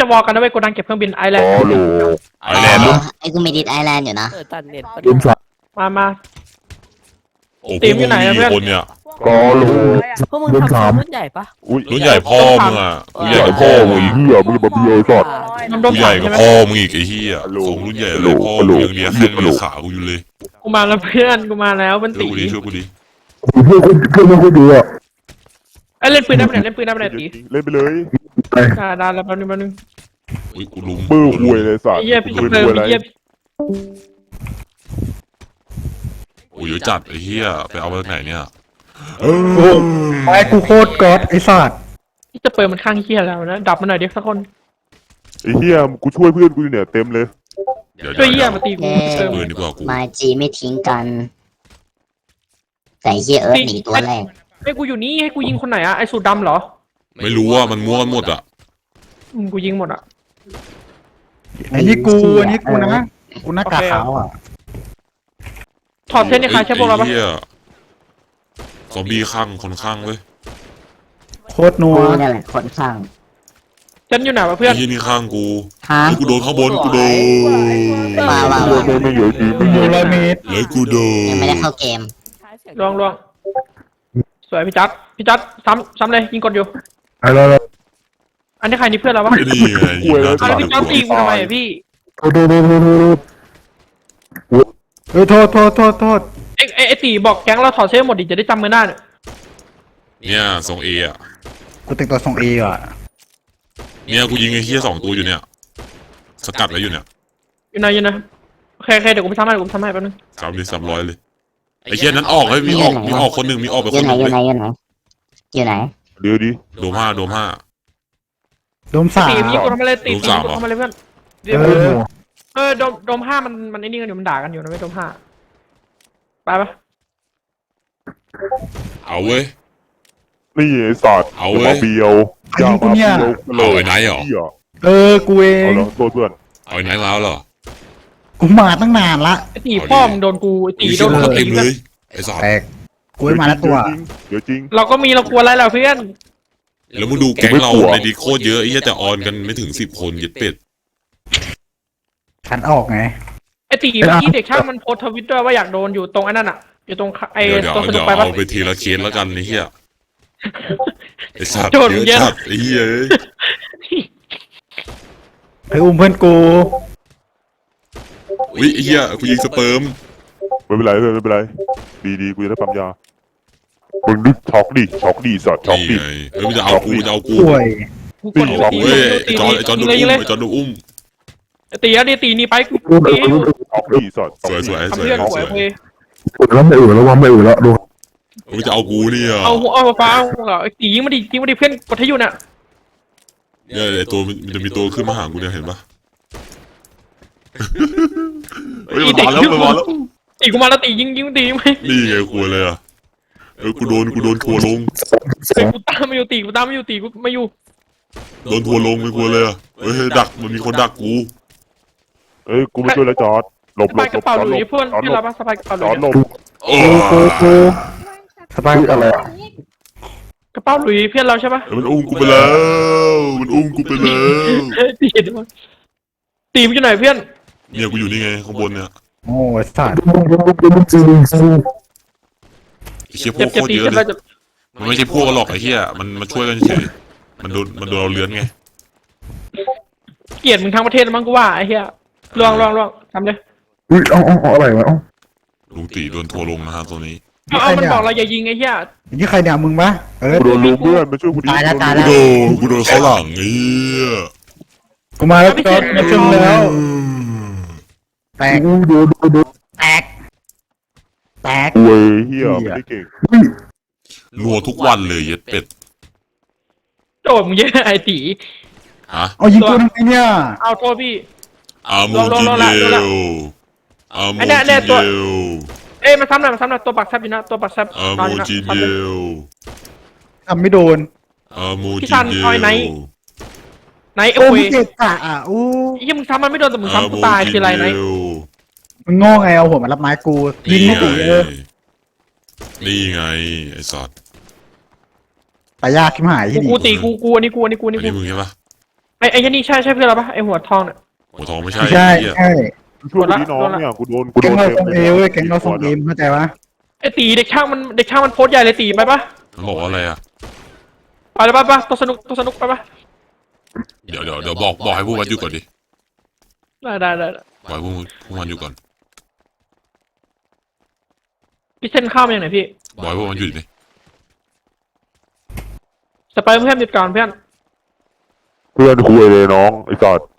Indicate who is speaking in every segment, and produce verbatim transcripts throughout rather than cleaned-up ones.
Speaker 1: วอลกันนะเว้ยกูดังเก็บเครื่องบินไอแลนด์
Speaker 2: ไอแลนด์
Speaker 3: ไอ้กูมีดิสไอแลนด์อยู่นะ
Speaker 4: เออตัดเน็ตปะ
Speaker 5: ลืมสัตว์
Speaker 1: มามา
Speaker 2: โอ้
Speaker 1: ตีมอยู่ไหนอะเพื่อน
Speaker 2: คนเนี่ย
Speaker 5: ก็รู้
Speaker 4: พวกมึง
Speaker 5: ลืม
Speaker 4: ทำ
Speaker 5: ถาม
Speaker 4: รุ่นใหญ่ปะ
Speaker 2: รุ่นใหญ่พ่อมึงอ่ะกูใหญ่กับพ่อมึงอีก
Speaker 5: เหี้ยมึงมาเบียร์ก่อน
Speaker 1: มันโด
Speaker 2: กู
Speaker 1: น
Speaker 2: ให
Speaker 1: ผ่า
Speaker 2: ญ่
Speaker 1: น
Speaker 2: กับ
Speaker 1: ใช่ไหม
Speaker 2: พ่อมึงอีกไอ้เหี้ยส่งรุ่นใหญ่เลยพ่อมึงยังเลี้ยงแค่เลี้ยงขากูอยู่เลย
Speaker 1: กูมาแล้วเพื่อนกูมาแล้วเป็น
Speaker 2: ช่วย
Speaker 1: ตี
Speaker 2: กูดิช่วยกูดิ
Speaker 5: เพื่อนคนเพื่อนไม่ค่อยดีอ่ะ
Speaker 1: ไอยเล่นปืนได้ปะเนี่ยเล่นปืนได้ปะเนี่ยตี
Speaker 6: เล่นไปเลย
Speaker 1: ได้ได้แล้วแป๊บนึงแป๊บนึง
Speaker 2: อุ้ยกูลุม
Speaker 6: มือหวยเลยสัต
Speaker 1: ไอ้
Speaker 6: ว์
Speaker 1: เหี้ยพี่
Speaker 6: มือ
Speaker 1: เติม
Speaker 6: หวยอะไร
Speaker 1: ไอ้เหี้ย
Speaker 2: โอ้ยเยอะจัดไอ้เหี้ยไปเอามาจากไหนเนี่ย
Speaker 5: โอ้ไอ้กูโคตรก๊อดไอ้สัตว์
Speaker 1: ที่จะเปิดมันข้างเหี้ยแล้วนะดับมันหน่อยเด็กสักคน
Speaker 6: ไอ้เหี้ยกูช่วยเพื่อนกูอยู่เนี่ยเต็มเลย
Speaker 2: เดี๋ยว
Speaker 1: ช่วยเหี้
Speaker 2: เดี๋
Speaker 1: ย
Speaker 2: ยว
Speaker 1: มาตีกู
Speaker 3: เอ้
Speaker 1: เติม
Speaker 2: ปืนดีกว่ากู
Speaker 3: มาจีไม่ทิ้งกัน แต่เฮียเอิร์ธหนีตัวแรก
Speaker 1: ให้กูอยู่นี่ให้กูยิงคนไหนอะไอสูตรดำเหรอ
Speaker 2: ไม่รู้ว่ามันมั่วกันหมดอ่ะ
Speaker 1: อืมกูยิงหมดอะ
Speaker 5: ไอ้นี่กูอันนี้กูนะกูหน้ากากขาวอ่ะ
Speaker 1: ถอดเส้นในใครใช่พวกเราปะ
Speaker 2: ไอ้เหี้ยซอมบี้ข้างคนข้างเว้ย
Speaker 5: โคตรนัว
Speaker 3: กูนี่แหละคนข้าง
Speaker 1: เส้นอยู่ไหนวะเพื่อน
Speaker 2: ไอ้เหี้ยนี่ข้างกู
Speaker 3: ฮะ
Speaker 2: ไอ้กูโดนข้างบนกูโดน
Speaker 3: มาว่า
Speaker 6: เพื่อนไม่เยอะจริงไม่
Speaker 5: อ
Speaker 6: เย
Speaker 5: ยู่
Speaker 6: อะ
Speaker 5: ร้อยเมตร
Speaker 2: แล้วกูโดน
Speaker 3: ยังไม่ได้เข้าเกม
Speaker 1: ลวงลวงสวยพี่จัดพี่จัดซ้ำซ้ำเลยยิงกดอยู่
Speaker 5: ไอ้เรา
Speaker 1: อันนี้ใครนี่เพื่อนเราปะ
Speaker 2: นี่ไงยิงหน้า
Speaker 1: เอาแล้วพี่จัดตีกูทำไมอะพี่
Speaker 5: โทษโทษโทษโทษโทษเฮ้ยโทษโทษโทษโทษ
Speaker 1: ไอไอไอตีบอกแก๊งเราถอดเสื้อหมดดิจะได้จำมือหน้าเนี่ย
Speaker 2: เนี่ยทรงเออ่ะ
Speaker 5: กูติดตัวส่งเออ่ะ
Speaker 2: เนี่ยกูยิงไอ้เหี้ยสองตัวอยู่เนี่ยสกัดไว้อยู่เนี่ย
Speaker 1: อยู่ไหนอยู่ไหนโอเคโอเคเดี๋ยวกูไปทำให้เดี๋ยวกูไปทำให้แป๊บนึง
Speaker 2: สามดิสามร้อยเลยไอ้เหี้ยนั้นออกเฮ้ยมีออกมีออกคนหนึ่งมีออกไป
Speaker 3: อ
Speaker 2: ค
Speaker 3: ยู่
Speaker 2: น
Speaker 3: ไห
Speaker 2: ห
Speaker 3: น
Speaker 2: นึ่ง
Speaker 3: อยู่
Speaker 2: เล
Speaker 3: ไหน
Speaker 2: ย
Speaker 3: อยู่ไหนอยู่ไหน
Speaker 6: เดี๋ยวดิ
Speaker 2: โดมห้าโดมห้า
Speaker 5: โดมสาม
Speaker 1: ตียิงกูทำอะไรตี
Speaker 2: ลูก
Speaker 1: ตี
Speaker 2: สาว
Speaker 1: กู
Speaker 2: เหรอ
Speaker 1: ทำอะไรเพื่อน
Speaker 5: เออ
Speaker 1: เออโดมโดมห้ามันมันไอ้นี่กันอยู่มันด่ากันอยู่นะไม่โดมห้าไปปะ
Speaker 2: เอาเว้ย
Speaker 6: นี่ไอ้สัตว์
Speaker 2: เอา
Speaker 6: อย่า
Speaker 2: เว้
Speaker 6: มาย เบียวอย่ามาเบียว
Speaker 2: เอาไอ้ไหนเหรอ
Speaker 6: เหี้ย
Speaker 5: เออกูเอ
Speaker 6: เอา
Speaker 5: ง
Speaker 6: เหรอตัวเพื่อน
Speaker 2: เอาไอ้ไหนแล้วเหรอ
Speaker 5: กูมาตั้งนานละ
Speaker 1: ไอตีพ่อมึงโดนกูไอตี
Speaker 2: อุ้ย
Speaker 1: โด
Speaker 2: เชี่ย
Speaker 1: น
Speaker 2: มัน
Speaker 1: กู
Speaker 2: ก็
Speaker 1: ตี
Speaker 2: เต็มเลยไอ้สัตว์
Speaker 5: แตกกูไม่มาแล้วตัว
Speaker 6: เดี๋ยวจริง
Speaker 1: เราก็มีเรากลัวอะไรแล้วเพื่อน
Speaker 2: แล้วมึงดูแก๊งเราในดีโคตรเยอะไอ้เหี้ยแต่ออนกันไม่ถึงสิบคนยึดเป็ด
Speaker 5: ขันออกไง
Speaker 1: ไอตีเมื่อกี้เด็กช่างมันโพสทวิตด้วยว่าอยากโดนอยู่ตรงไอ้นั่นอะอยู่ตรงไอ
Speaker 2: เดี๋ยวเดี๋ยว
Speaker 1: ตรงสนุ
Speaker 2: เดี๋
Speaker 1: ก
Speaker 2: ยว
Speaker 1: ไปปะ
Speaker 2: เอาไปทีละเคสแล้วกันไอ้เหี้ยไอ้สัตว์
Speaker 1: โจร
Speaker 2: เยอะ
Speaker 1: เยอะ
Speaker 2: จัดไอ้เหี้ยเอ้ย
Speaker 5: ไปอุ้มเพื่อนกู
Speaker 2: อุ้ยไอ้เหี้ยกูยิงสเปิร์ม
Speaker 6: ไม่เป็นไรเพื่อนไม่เป็นไรดีดีกูจะได้ปั๊มยามึงนึกช็อกดิช็อกดิสัตว์ช็อก
Speaker 2: นี่
Speaker 6: ดิ
Speaker 2: ไงเฮ้ยมันจะเอากูมันจะเอากู
Speaker 5: ป่วย
Speaker 1: กูกด
Speaker 6: เอา
Speaker 1: ตี
Speaker 2: เว้ย
Speaker 1: ตี
Speaker 2: ไอ้จอนไอ้จอนโดน
Speaker 1: เลย
Speaker 2: อุ้ม
Speaker 1: เลย
Speaker 2: ไอ้จอนโดนอุ้ม
Speaker 1: ไอตีอะดีตีนี่ไปกูตี
Speaker 6: ช็อกดิสัตว์
Speaker 2: สวยสวยส
Speaker 1: ทำ
Speaker 2: วย
Speaker 1: เพื่อน
Speaker 2: ส
Speaker 1: สว
Speaker 2: วย ย
Speaker 1: เว้ย
Speaker 5: แล้วไม่อื่นแล้วว่าไม่อื่นแล้วดู
Speaker 2: มันจะเอากูเนี่ย
Speaker 1: เอาเอาฟ้าเอาไอตียิงมาดิยิงมาดิเพื่อนกดให้อยู่น่ะ
Speaker 2: เนี่ยไอ้ตัวมันจะมีตัวขึ้นมาหากูเนี่ยเห็นปะเฮ้ยมันมาแล้วมันมาแล้ว
Speaker 1: ตีกูมาแล้วตียิงยิงตีไหม
Speaker 2: นี่ไงกูเลยอ่ะเออกูโดนกูโดนทัวร์ลง
Speaker 1: ตีกูตามไม่อยู่ตีกูตามไม่อยู่ตีกูไม่อยู่
Speaker 2: โดนทัวร์ลงไปกูเลยอ่ะเฮ้ยดักมันมีคนดักกู
Speaker 6: เอ้ยกูไม่ช่วยแล้วจอดหลบ
Speaker 1: ส
Speaker 6: หล
Speaker 1: บาย
Speaker 6: บ
Speaker 1: กระเป๋า
Speaker 6: จอด
Speaker 1: ห
Speaker 6: หล
Speaker 1: ลุย
Speaker 6: บ
Speaker 1: เพื่อน
Speaker 6: จอด
Speaker 1: ที่
Speaker 6: หล
Speaker 1: เรา
Speaker 6: บ
Speaker 1: ปะสบายกระเป๋าห
Speaker 6: จ
Speaker 1: ลุ
Speaker 6: อย ดหลบ
Speaker 2: โอ้
Speaker 5: กูกูสบายอะไรอ่ะ
Speaker 1: กระเป๋าหลุยเพื่อนเราใช่ปะ
Speaker 2: มันอุ้มกูไปแล้วมันอุ้มกูไปแล้ว
Speaker 1: ตีด้วยตีมันอยู่ไหนเพื่อน
Speaker 2: เนี่ยกูอยู่นี่ไงข้างบนเนี่ย
Speaker 5: โอ้ยสัตว์
Speaker 2: ไอ้เชี่ยพ
Speaker 1: เจ็
Speaker 2: ว
Speaker 1: บ
Speaker 2: ก
Speaker 1: เจ็บ
Speaker 2: โคตร
Speaker 1: ตี
Speaker 2: เยอะ
Speaker 1: เจ็บ
Speaker 2: เล
Speaker 1: เรา
Speaker 2: ย
Speaker 1: จะ
Speaker 2: มันไม่ใช่พวกหรอกไอ้เหี้ยมันมาช่วยกันเฉยมันโดนมันโดนเราเลื้อนไง
Speaker 1: เกลียดมึงทั้งประเทศมั้งกูว่าไอ้เหี้ยลองลองลองทำเลย
Speaker 5: อุ้ยเอาเอาเอาอะไรวะเอา
Speaker 2: ลุงตีโดนทัวร์ลงนะฮะตัวนี้
Speaker 1: เอาเอามันบอกเราอย่ายิงไอ้เหี้ย
Speaker 5: อย่างนี้ใครเนี่ยมึงปะเออ
Speaker 6: กูโดนลุมเพื่อนมาช่วยกูดิ
Speaker 3: ตายแล้วตาย
Speaker 2: กู
Speaker 3: แล้ว
Speaker 2: โดนกูโดนเข้าหลังไอ้เหี้ย
Speaker 5: กูมาแล้วจอดมาชนแล้วแตกแตกแตก
Speaker 6: เว้ยเฮียไม่ได้เก่ง
Speaker 2: รัวทุกวันเลยเย็ดเป็ด
Speaker 1: โจดมึงเยอะไอ้ตี
Speaker 2: ฮะ
Speaker 5: เอายิงกูทำไมเนี่ย
Speaker 1: เอาโทษพี่
Speaker 2: อาโมจิเดลอาโม
Speaker 1: ไอ้
Speaker 2: จิ
Speaker 1: เนี่ยเนี่ยตัว
Speaker 2: เดล
Speaker 1: เอ้ยมาซ้ำหน่อยมาซ้ำหน่อยตัวปักแซบอยู่นะตัวปักแซบ
Speaker 2: อาโม
Speaker 1: นอนอยู่นะ
Speaker 2: จิ
Speaker 1: ซ้ำ
Speaker 2: เด
Speaker 1: เลย
Speaker 2: ล
Speaker 5: ทำไม่โดน
Speaker 2: อาโม
Speaker 1: พี่
Speaker 2: จิ
Speaker 1: ซัน
Speaker 2: เด
Speaker 1: เอาไอ้ไหน
Speaker 2: ล
Speaker 1: ไหน
Speaker 5: โอ้
Speaker 1: เอ้
Speaker 5: มึ
Speaker 1: ย
Speaker 5: งเกะกะอ่ะอู้
Speaker 1: ไอ้เหี้ยมึงซ้ำมันไม่โดนแต่มึงซ้ำกูตายคืออะไรไหน
Speaker 5: มึงโง่ไงเอาหัวมารับไม้กูยิงไม่ตีเออ
Speaker 2: นี่ไงไอ้สัตว์
Speaker 5: ตายยากขึ้นหาย
Speaker 1: กู
Speaker 5: ที่นี่
Speaker 1: กูตีกูกูอันนี้กูอันนี้กูอัน
Speaker 2: อั
Speaker 1: นี้
Speaker 2: น
Speaker 1: กู
Speaker 2: นี้มึงใช่ปะ
Speaker 1: ไอ้ไอ้ยันนี่ใช่ใช่เพื่อนเราปะไอ้หัวทองเนี่ย
Speaker 2: หัวทองไม่ใช่
Speaker 5: ใช่
Speaker 2: ไอ้เหี้ย
Speaker 5: ใช่
Speaker 6: ช่วยกูดิน้องเนี่ยกูโดนกูโด
Speaker 5: แก๊ง
Speaker 6: น
Speaker 5: เรา
Speaker 6: เต็ม
Speaker 5: ส่งเอเว้ยแก๊งเราส่งเอมเข้าใจปะ
Speaker 1: ไอ้ตีเด็กช่างมันเด็กช่างมันโพสต์ใหญ่เลยตีไปปะ
Speaker 2: มันบอกว่าอะไรอ่ะ
Speaker 1: ไปเลยปะปะตัวสนุกตัวสนุกไปปะ
Speaker 2: เดี๋ยวเดี๋ยวเดี๋ยวบอกบอกให้พวกมันอยู่ก่อนดิ
Speaker 1: ได้ได้ได้
Speaker 2: บอกให้พวกมึงพวกมันอยู่ก่อน
Speaker 1: พี่เส้นข้าวมาอย่างไหนพี่
Speaker 2: บอกให้พวกมันหยุดดิ
Speaker 1: สไปเพื่อนหยุดก่อนเพื่อน
Speaker 6: เพื่อนคุยเลยน้องไอ้สัตว์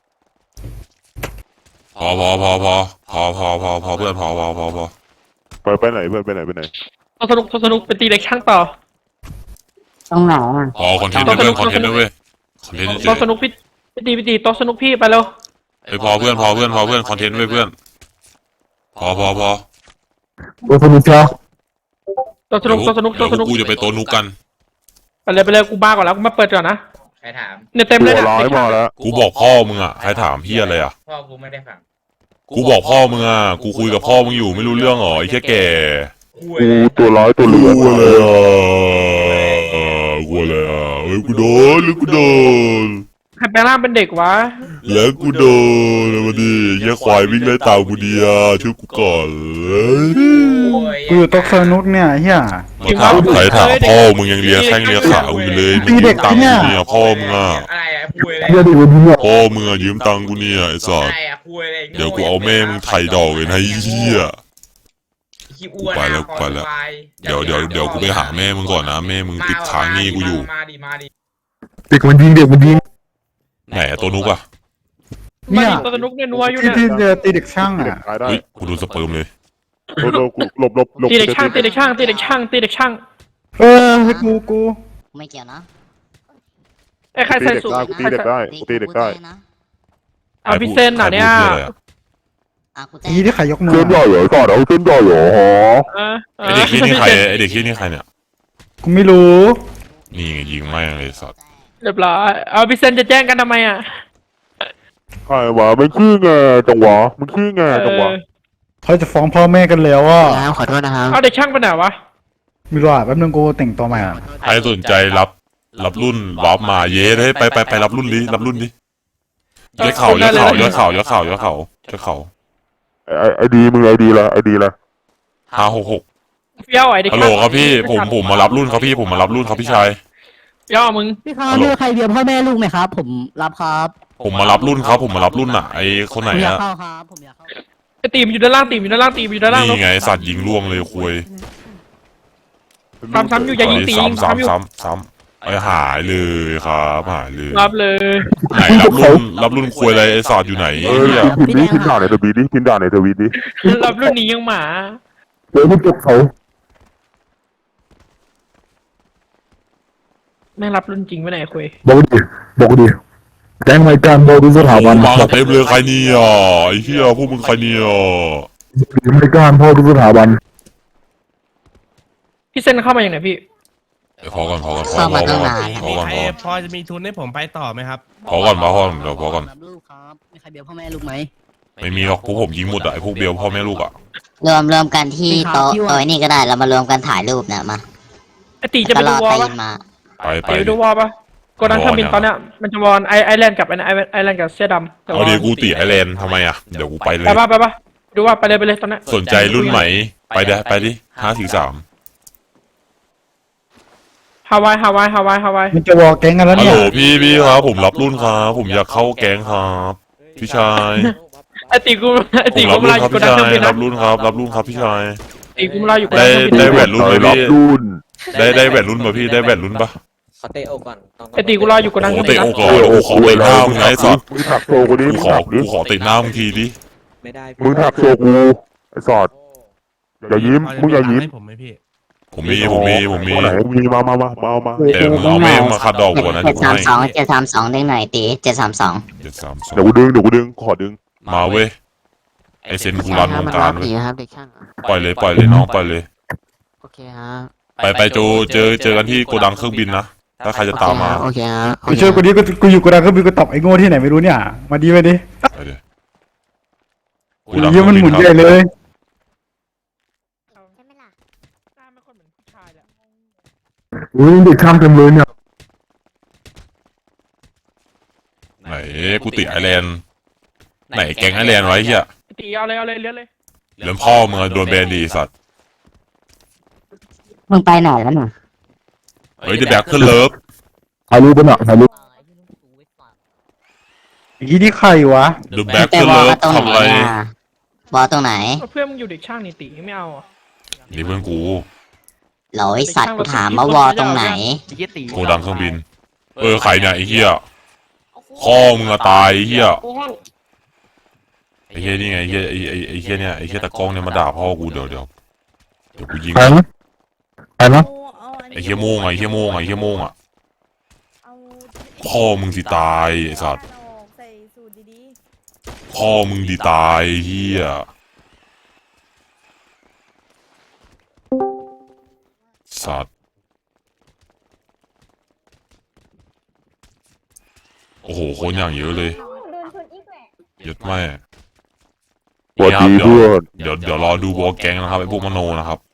Speaker 2: พอพอพอพอพอพอพอพอเพื่อนพอพอพอพอ
Speaker 6: ไปไปไหนเพื่อนไปไหนไปไหน
Speaker 1: ตัวสนุกตัวสนุกเป็นตีเด็กช่างต่อ
Speaker 3: ตรงไหนอ่ะ
Speaker 2: พอคอนเทนต์ด้วยเพื่อนคอนเทนต์ด้วยเว้ยคอนเทนต์เฉ
Speaker 1: ตัวย สนุกพี่พี่ตีพี่ตีตัวสนุกพี่ไปเร็ว
Speaker 2: ไอ้ยพอเพื่อนพอเพื่อนพอเพื่อนคอนเทนต์ด้วยเพื่อนพอพอพอ
Speaker 5: โอ้สนุกจ้า
Speaker 1: ตัวสนุกตัวสนุกตัวสนุก
Speaker 2: เดี๋ยวกูจะไปโตนุกกัน
Speaker 1: ไปเลยไปเลยกูบ้าก่อนแล้วกูมาเปิดก่อนนะ
Speaker 4: ใครถาม
Speaker 1: เนี่ยเต็ม
Speaker 6: ตั
Speaker 1: เลยว เนี่ย
Speaker 6: ร้ายมาแล้ว
Speaker 2: กูบอกพ่อมึงอ่ะใครถามพี่อะไรอ่ะ
Speaker 4: พ่อกูไม่ได้ฟัง
Speaker 2: กูบอกพ่อมึงอ่ะกูคุยกับพ่อมึงอยู่ไม่รู้เรื่องเหรอไอ้แค่แก่
Speaker 4: คุย
Speaker 6: กู
Speaker 4: เลย
Speaker 6: ตัวร้ายตัวเหลือง
Speaker 2: กูอะไรอ่ะกูอะไรอ่ะเฮ้ยกูโดนหรือกูโดน
Speaker 1: ใครแปลงร่างเป็นเด็กวะ
Speaker 2: แล้วกูโดนมาดิเหี้ยควายวิ่งไล่ตามกูดีอ่ะช่วยกูก่อนเลย
Speaker 4: โอ้ย
Speaker 5: กูอยู่โต๊ะสนุกเนี่ยเฮีย
Speaker 2: มาถามใครถามพ่อมึงยังเลียแข้งเลียขากูอยู่เลยมึงยืมตังค์กูเนี่ยพ่อมึงอ่ะ
Speaker 4: อะไรอะคุยเลย
Speaker 5: เฮียดิวันนี้
Speaker 2: พ่อมึงอ่ะยืมตังค์กูเนี่ยไอ้สั
Speaker 4: อะ
Speaker 2: ส
Speaker 4: ไรอะคุยเลย
Speaker 2: เดี๋ยวกูเอาแม่มึงไถ่ดอกเลยนะไอ้เหี้ย
Speaker 4: ขี้อ้วน
Speaker 2: ไปแล้วไปแล้ว เดี๋ยวเดี๋ยวเดี๋ยวกูไปหาแม่มึงก่อนนะแม่มึงติดค้างหนี้กูอยู่
Speaker 4: มาดิมาดิ
Speaker 5: เด็กมันยิงเด็กมันยิง
Speaker 2: ไหนอะตัวนุกอ่ะ
Speaker 1: มาดิตัวสนุกเนี่ยนัวอยู่
Speaker 5: ที่
Speaker 1: เนี่ย
Speaker 5: ที่เจอตีเด็กช่าง
Speaker 6: เด็ก
Speaker 5: อ่ะ
Speaker 6: ตายได้
Speaker 2: เฮ้ยกูโดนสเปิร์มเลย
Speaker 6: โดนโดนกูหลบหลบหลบ
Speaker 1: ตีเด็กช่างตีเด็กช่างตีเด็กช่างตีเด็กช่าง
Speaker 5: เออให้กูกู
Speaker 3: ไม่เกี่ยวนะ
Speaker 1: ไอ้ใคร
Speaker 6: ตี
Speaker 1: ใส่
Speaker 6: เด็ก
Speaker 1: สูท
Speaker 6: ได้กูตีเด็กได้กูตีเด็กได้
Speaker 3: นะ
Speaker 1: เอาพี่เซนหน่ะเนี่ย
Speaker 2: ใครพูดอะไรอะ
Speaker 3: อ่ะกูแจ้
Speaker 5: ทีที่ขายยกมือ
Speaker 6: เส้นใหญ่เหรอก่อนเอาเส้นใหญ่เหรอฮะ
Speaker 1: เออ
Speaker 2: ไอเด็กที่นี่ใครไอเด็กที่นี่ใครเนี่ย
Speaker 5: กูไม่รู้
Speaker 2: นี่ไงยิงแม่งเลยสัตว์
Speaker 1: เรียบร้อยเอาพี่เซนจะแจ้งกันทำไมอ่ะ
Speaker 6: ใครวะมันขี้แงจังหวะมันขี้แงจังหวะ
Speaker 1: เออ
Speaker 5: เขาจะฟ้องพ่อแม่กันแล้วอ่ะ
Speaker 3: แล้วขอโทษนะครับ
Speaker 1: เอาเด็กช่างไปไหนวะ
Speaker 5: ไม่รู้อ่ะแป๊บนึงกูแต่งตัวใหม่อ่ะ
Speaker 2: ใครสนใจรับรับรุ่นวาร์ปมาเย้เฮ้ยไปไปไปรับรุ่นดิรับรุ่นดิยอดเข่ายอดเข่ายอดเข่ายอดเข่ายอดเข่ายอดเข่า
Speaker 6: ไอไอดีมึงไอดีละไอดีละ
Speaker 2: ห้าหกหก
Speaker 1: เฟี้ยวไอ้เด็ก
Speaker 2: ฮัลโหลครับพี่ผมผมมารับรุ่นครับพี่ผมมารับรุ่นครับพี่ชาย
Speaker 1: เฟี้ยวมึง
Speaker 3: พี่ครับมีใครเบียร์พ่อแม่ลูกไหมครับ ผมรับครับ
Speaker 2: ผมมารับรุ่นครับผมมารับรุ่นอ่ะไอคนไหน
Speaker 3: ผมอยาก
Speaker 2: อะ
Speaker 3: เข้าครับผมอยากเข้า
Speaker 1: ไอ้ตีมอยู่ด้านล่างตีมอยู่ด้านล่างตีมอยู่ด้านล่าง
Speaker 2: นี่ไงสัตว์ยิงล่วงเลยคุย
Speaker 1: ซ้ำซ้ำอยู่อย่ายิงตี
Speaker 2: ซ้ำ
Speaker 1: ซ้ำอยู่
Speaker 2: ซ้ำซ้ำซ้ำไอหายเลยครับหายเลย
Speaker 1: รับเลย
Speaker 2: ไหนรับรุ่นรับรุ่นคุยอะไรไอสัตว์อยู่ไหน
Speaker 6: เอ
Speaker 2: ไอ้
Speaker 6: อ
Speaker 2: เหี้ย
Speaker 6: พิมพ์นี้พิมพ์ด่าในทวีตดิพิมพ์ด่าในทวีตดิ
Speaker 1: รับรุ่นนี้ยังหมา
Speaker 5: เดี๋ยวมึงเก็บเขา
Speaker 1: แม่งรับรุ่นจริงไปไหนคุย
Speaker 5: บอกดิบอกดิแจ้งรายการบอกดูสถาบัน
Speaker 2: มาเต็มเลยใครเนี่ยไอ้เหี้ยพวกมึงใครเนี่ย
Speaker 5: รายการพ่อดูสถาบัน
Speaker 1: พี่เซนเข้ามาอย่างไหนพี่
Speaker 2: เดี๋ยวพอก่อนพอก่อนพอ
Speaker 3: เข้า
Speaker 2: พ
Speaker 3: มา
Speaker 2: อ
Speaker 3: ตั้ง
Speaker 2: ก่อน
Speaker 3: นานแล้ว
Speaker 2: พอก่อน
Speaker 7: ใค
Speaker 2: พ
Speaker 7: ร
Speaker 2: อ
Speaker 7: พอจะมีทุนให้ผมไปต่อไหมครับ
Speaker 2: พอก่อนพอก่อนเดี๋ยวพอก่อน
Speaker 3: รับลูกครับมีใครเบียร์พ่อแม่ลูกไหม
Speaker 2: ไม่มีหรอกพวกผมยิงหมดอะไอ้พวกเบลพ่อแม่ลูกอะ
Speaker 3: รวมรวมกันที่โต๊ะโต๊ะนี่ก็ได้เรามารวมกันถ่ายรูปนะมา
Speaker 1: ไอ้ตีจะไป
Speaker 3: ตล
Speaker 1: ดู
Speaker 3: อด
Speaker 1: วอล
Speaker 3: ตี
Speaker 1: ปะ
Speaker 3: นมา
Speaker 2: ไปไป
Speaker 1: ไปดูวอลปะโกดังเครื่องบินตอนเนี้ยมันจะวอลไอไอแลนด์กับไอไอไอแลนด์กับเสื้อดำแต่
Speaker 2: เอา
Speaker 1: ว่า
Speaker 2: ดีกูตีไอแลนด์ทำไมอะเดี๋ยวกูไปเล
Speaker 1: ไป
Speaker 2: ย
Speaker 1: ปะไปปะดูว่าไปเลยไปเลยตอนเนี้ย
Speaker 2: สนใจรุ่นไหนไปเด้ไปดิห้าสี่สาม
Speaker 1: ฮาวายฮาวายฮาวายฮาวาย
Speaker 5: มันจะวอลแก๊งกันแล้ว
Speaker 2: ฮัล
Speaker 5: เนี่
Speaker 2: โห
Speaker 5: ย
Speaker 2: ลพี่พี่ครับผมรับรุ่นครับผมอยากเข้าแก๊งครับพี่ชาย
Speaker 1: ไอตีกูไอ
Speaker 2: ผ
Speaker 1: ตี
Speaker 2: ม
Speaker 1: กู
Speaker 2: รับ
Speaker 1: มา
Speaker 2: รุ่
Speaker 1: ลาน อยู่โกดังเครื่องบิน
Speaker 2: ครับพี่ชายรั
Speaker 1: นะ
Speaker 2: บรุ่นครับรับรุ่นครับพี่ชาย
Speaker 1: ตีกูมาลาอยู่โกดั
Speaker 2: ได้
Speaker 1: งเครื่องบิน
Speaker 2: ได้
Speaker 1: นะ
Speaker 2: แหวนรุ่นไหม
Speaker 6: รับ
Speaker 2: พี่
Speaker 6: รุ่น
Speaker 2: ได้ได้แหวนรุ่นป่ะพี่ได้แหวนรุ่นป่ะ
Speaker 8: ขอเตะอกก่อนต้อง
Speaker 1: ไอตีกูรออยู่โกดัง
Speaker 2: โอ้
Speaker 1: เครื่อง
Speaker 2: เตะ
Speaker 1: บิน
Speaker 2: โอ
Speaker 1: นะ
Speaker 2: กก่อนโอ้ขอเตะหน้ามึงไงไอ้สัตว์
Speaker 6: มึงถักโซกูดิ
Speaker 2: กู
Speaker 6: มึง
Speaker 2: ขอ
Speaker 6: ถักดิ
Speaker 2: กูขอเตะหน้ามึงทีดิ
Speaker 8: ไม่ได้
Speaker 6: มึงถักโซกูไอ้สอดอย่ายิ้มมึงอย่ายิ้ม
Speaker 7: ให้ผมไหมพี่
Speaker 2: ผมมีผมมีผมมี
Speaker 6: ตัวไหนมีมามามามาเอามา
Speaker 2: แต่มึงเอาแม่งมาคัดดอกกูนะ
Speaker 3: เจ็
Speaker 2: เดี๋ยวกู
Speaker 3: ดสาม
Speaker 2: ให้
Speaker 3: สองเจ็ดสามสองได้หน่อยตีเจ็ดสามสอง
Speaker 2: เจ็ดสามสอง
Speaker 6: เดี๋ยวกูดึงเดี๋ยวกูดึงขอดึง
Speaker 2: มาเว้ยไอเซนกูรันวงการเว้ย
Speaker 3: ครับเด็กช่าง
Speaker 2: ปล่อยเลยปล่อยเลยน้องปล่อยเลย
Speaker 3: โอเคฮะ
Speaker 2: ไปไปโจเจอเจอกันที่โกดังเครื่องบินนะถ้าใครจะตามมา
Speaker 3: โอเคฮะ
Speaker 5: กูช่วยกูดิกูกูอยู่กูดังก็มีกูตบไอ้โง่ที่ไหนไม่รู้เนี่ยมาดีไปดิ
Speaker 2: ไปเลยโก
Speaker 5: กู
Speaker 2: ดังเค
Speaker 5: เยี่
Speaker 2: รื่
Speaker 5: ย
Speaker 2: อง
Speaker 5: มัน
Speaker 2: บิ
Speaker 5: หมุน
Speaker 2: นค
Speaker 5: ใหญ่
Speaker 2: รับ
Speaker 5: เลย
Speaker 1: หน้าไม่ค่อยเหมือนผู้ชายเลย
Speaker 5: อุ้ยเด็กช่างเต็มเลยเนี่ย
Speaker 2: ไหนกูติดไอแลนด์ไหนแก๊งไอแลนด์ไว้เฮีย
Speaker 1: ตีเอาเลยเอาเลยเลี้ยเลย
Speaker 2: เรื่องพ่อมึงอะโดนแบนดีสัตว์
Speaker 3: มึงไปไหนแล้วน่ะ
Speaker 2: เฮ้ยเดอะแบ็คขึ้นเลิฟ
Speaker 5: ถ่ายรูปไปหน่อยถ่ายรูปยี่นี่ใครวะ
Speaker 2: เดอะแบ็ค
Speaker 3: ไป
Speaker 2: ขึ้น
Speaker 3: วอ
Speaker 2: เลิ
Speaker 3: ล
Speaker 2: ฟ
Speaker 3: ก็ตรง
Speaker 2: ทำ
Speaker 3: ไหน
Speaker 2: อะไร
Speaker 3: อ่ะวอลตรงไหน
Speaker 1: เพื่อนมึงอยู่เด็กช่างนี่ตีไม่เอาอ่ะ
Speaker 2: นี่เพื่อนกู
Speaker 3: เหรอไอสัตว์กูถามว่าวอลตรงไหน
Speaker 2: โกดังเครื่องบินเออใครเนี่ยไอ้เหี้ยพ่อมึงอะตายไอ้เหี้ยไอ้เหี้ยนี่ไงไอ้เหี้ยไอ้ไอ้ไอ้เหี้ยเนี่ยไอ้เหี้ยตะกล้องเนี่ยมาด่าพ่อกูเดี๋ยวเดี๋ยวเดี๋ยวกูยิง
Speaker 5: ใครนะใครนะ
Speaker 2: ไอ้เหี้ยโม่งไอ้เหี้ยโม่งไอ้เหี้ยโม่งอะพ่อมึงสิตายไอ้สัตว์
Speaker 9: ใส่สูตรดี
Speaker 2: พ่อมึงดีตายไอ้เหี้ยสัตว์โอ้โหคนอย่างเยอะเลย
Speaker 9: ๆโดนชนอีกแหละ
Speaker 2: เยอะแม่
Speaker 6: สวัสดีเพื่อน
Speaker 2: เดี๋ยวเดี๋ยวรอดูวอลแก๊งนะครับไอ้พวกมโนนะครับ